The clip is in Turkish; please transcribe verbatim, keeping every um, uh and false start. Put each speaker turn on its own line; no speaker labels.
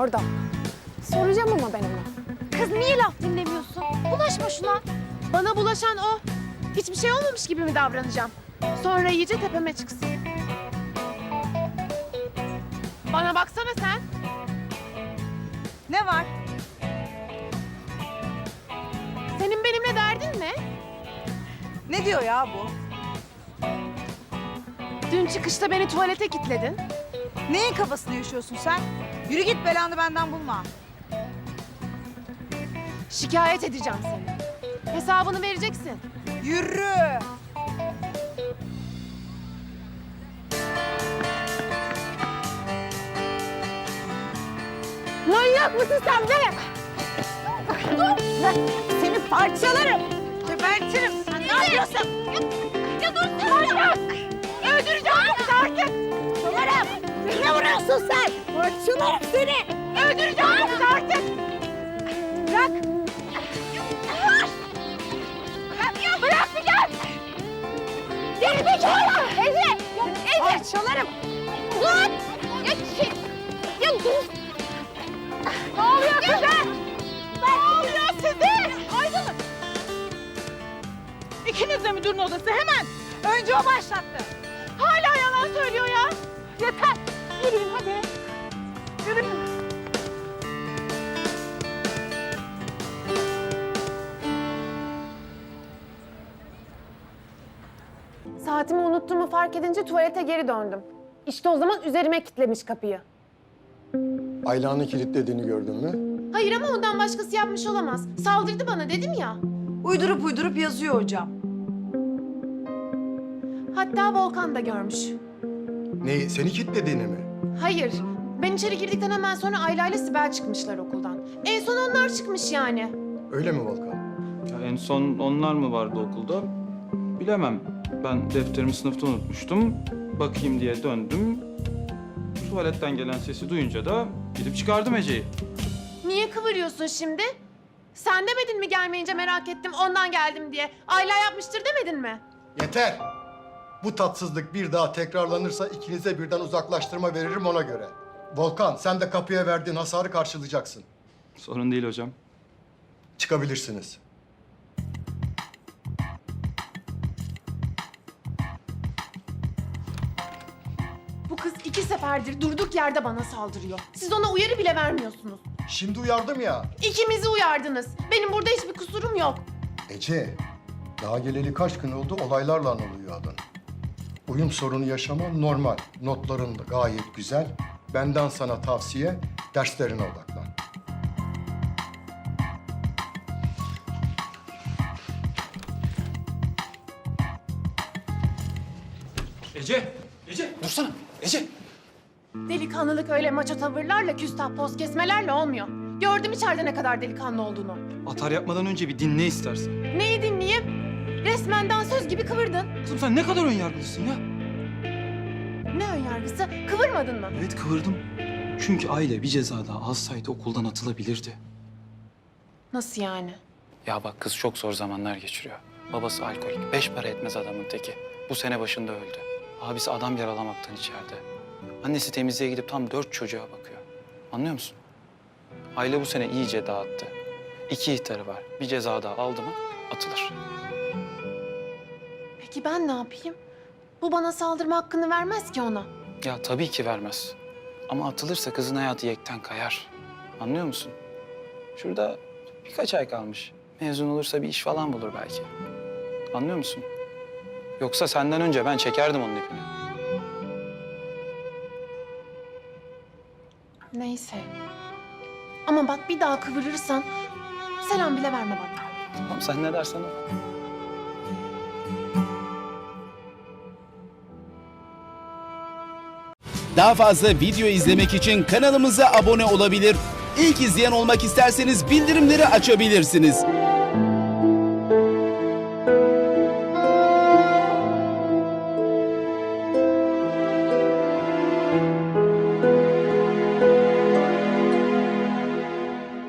Orada. Soracağım ama ben ona.
Kız niye laf dinlemiyorsun? Bulaşma şuna.
Bana bulaşan o. Hiçbir şey olmamış gibi mi davranacağım? Sonra iyice tepeme çıksın. Bana baksana sen.
Ne var?
Senin benimle derdin ne?
Ne diyor ya bu?
Dün çıkışta beni tuvalete kilitledin.
Neyin kafasını yaşıyorsun sen? Yürü git, belanı benden bulma.
Şikayet edeceğim seni. Hesabını vereceksin.
Yürü!
Manyak mısın sen be?
Dur! Seni parçalarım! Gebertirim! Sen ne yapıyorsun? Ya dur! Manyak!
Öldüreceğim seni artık.
Parçalarım! Ne vuruyorsun sen? Parçalarım seni!
Öldüreceğim seni artık. Bırak.
Bırak! Bırak bir gel! Geri zekalı! Ece! Ece! Parçalarım! Dur! Ya, şey, ya dur!
Ne oluyor size? Ne oluyor size?
Aydın! İkiniz de müdürün odası, hemen! Önce o başlattı.
Hala yalan söylüyor ya.
Yeter!
Yürüyün hadi. Yürüyün. Saatimi unuttuğumu fark edince tuvalete geri döndüm. İşte o zaman üzerime kilitlemiş kapıyı.
Ayla'nın kilitlediğini gördün mü?
Hayır ama ondan başkası yapmış olamaz. Saldırdı bana dedim ya.
Uydurup uydurup yazıyor hocam.
Hatta Volkan da görmüş.
Neyi? Seni kilitlediğini mi?
Hayır. Ben içeri girdikten hemen sonra Ayla ile Sibel çıkmışlar okuldan. En son onlar çıkmış yani.
Öyle mi Volkan?
Ya en son onlar mı vardı okulda? Bilemem. Ben defterimi sınıfta unutmuştum. Bakayım diye döndüm. Tuvaletten gelen sesi duyunca da gidip çıkardım Ece'yi.
Niye kıvırıyorsun şimdi? Sen demedin mi gelmeyince merak ettim ondan geldim diye. Ayla yapmıştır demedin mi?
Yeter! Bu tatsızlık bir daha tekrarlanırsa ikinize birden uzaklaştırma veririm ona göre. Volkan, sen de kapıya verdiğin hasarı karşılayacaksın.
Sorun değil hocam.
Çıkabilirsiniz.
Bu kız iki seferdir durduk yerde bana saldırıyor. Siz ona uyarı bile vermiyorsunuz.
Şimdi uyardım ya.
İkimizi uyardınız. Benim burada hiçbir kusurum yok.
Ece, daha geleli kaç gün oldu olaylarla anılıyor adın. Uyum sorunu yaşaman normal. Notların da gayet güzel. Benden sana tavsiye, derslerine odaklan.
Ece! Ece! Dursana! Ece!
Delikanlılık öyle maço tavırlarla, küstah poz kesmelerle olmuyor. Gördüm içeride ne kadar delikanlı olduğunu.
Atar yapmadan önce bir dinle istersen.
Neyi dinleyeyim? Resmen dansöz gibi kıvırdın.
Kızım sen ne kadar önyargılısın ya.
Ne önyargısı? Kıvırmadın mı?
Evet kıvırdım. Çünkü aile bir ceza daha alsaydı okuldan atılabilirdi.
Nasıl yani?
Ya bak kız çok zor zamanlar geçiriyor. Babası alkolik. Beş para etmez adamın teki. Bu sene başında öldü. Abisi adam yaralamaktan içeride. Annesi temizliğe gidip tam dört çocuğa bakıyor. Anlıyor musun? Aile bu sene iyice dağıttı. İki ihtarı var. Bir ceza daha aldı mı atılır.
Peki ben ne yapayım? Bu bana saldırma hakkını vermez ki ona.
Ya tabii ki vermez. Ama atılırsa kızın hayatı yekten kayar. Anlıyor musun? Şurada birkaç ay kalmış. Mezun olursa bir iş falan bulur belki. Anlıyor musun? Yoksa senden önce ben çekerdim onun ipini.
Neyse. Ama bak bir daha kıvırırsan selam bile verme bana.
Tamam sen ne dersen o.
Daha fazla video izlemek için kanalımıza abone olabilir. İlk izleyen olmak isterseniz bildirimleri açabilirsiniz.